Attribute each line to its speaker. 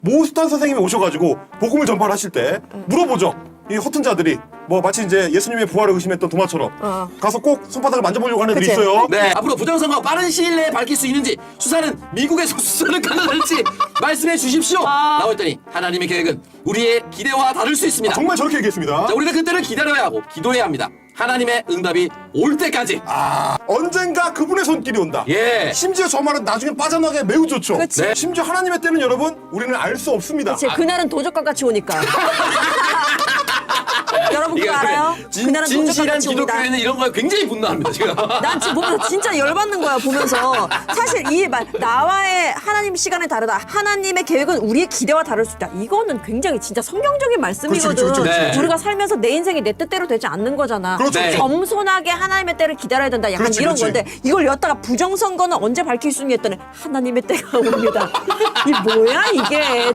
Speaker 1: 모스탄 선생님이 오셔가지고 복음을 전파를 하실 때 물어보죠. 이 허튼 자들이 뭐 마치 이제 예수님의 부활을 의심했던 도마처럼 가서 꼭 손바닥을 만져보려고 하는 애들이
Speaker 2: 그치.
Speaker 1: 있어요.
Speaker 3: 네, 앞으로 부정선거 빠른 시일 내에 밝힐 수 있는지, 수사는 미국에서 수사는 가능할지 말씀해 주십시오. 라고 했더니 하나님의 계획은 우리의 기대와 다를 수 있습니다.
Speaker 1: 정말 저렇게 얘기했습니다.
Speaker 3: 자, 우리는 그때를 기다려야 하고 기도해야 합니다. 하나님의 응답이 올 때까지.
Speaker 1: 언젠가 그분의 손길이 온다.
Speaker 3: 예.
Speaker 1: 심지어 저 말은 나중에 빠져나가기 매우 좋죠.
Speaker 2: 그치.
Speaker 3: 네.
Speaker 1: 심지어 하나님의 때는 여러분 우리는 알 수 없습니다.
Speaker 2: 제 그날은 도적과 같이 오니까. 여러분 그거
Speaker 3: 이거
Speaker 2: 알아요? 그날은 도적과
Speaker 3: 진실한
Speaker 2: 같이 옵니다.
Speaker 3: 기독교에는 이런 거에 굉장히 분노합니다, 제가.
Speaker 2: 난 지금 보면서 진짜 열받는 거야 보면서. 사실 이 말 나와의 하나님 시간이 다르다. 하나님의 계획은 우리의 기대와 다를 수 있다. 이거는 굉장히 진짜 성경적인 말씀이거든.
Speaker 1: 그렇죠.
Speaker 3: 네.
Speaker 2: 우리가 살면서 내 인생이 내 뜻대로 되지 않는 거잖아.
Speaker 1: 그렇죠.
Speaker 3: 네.
Speaker 2: 겸손하게 하나님의 때를 기다려야 된다. 약간
Speaker 1: 그렇지,
Speaker 2: 이런
Speaker 1: 그렇지.
Speaker 2: 건데 이걸 였다가 부정선거는 언제 밝힐 수 있냐 했더니 하나님의 때가 옵니다. 이 뭐야 이게.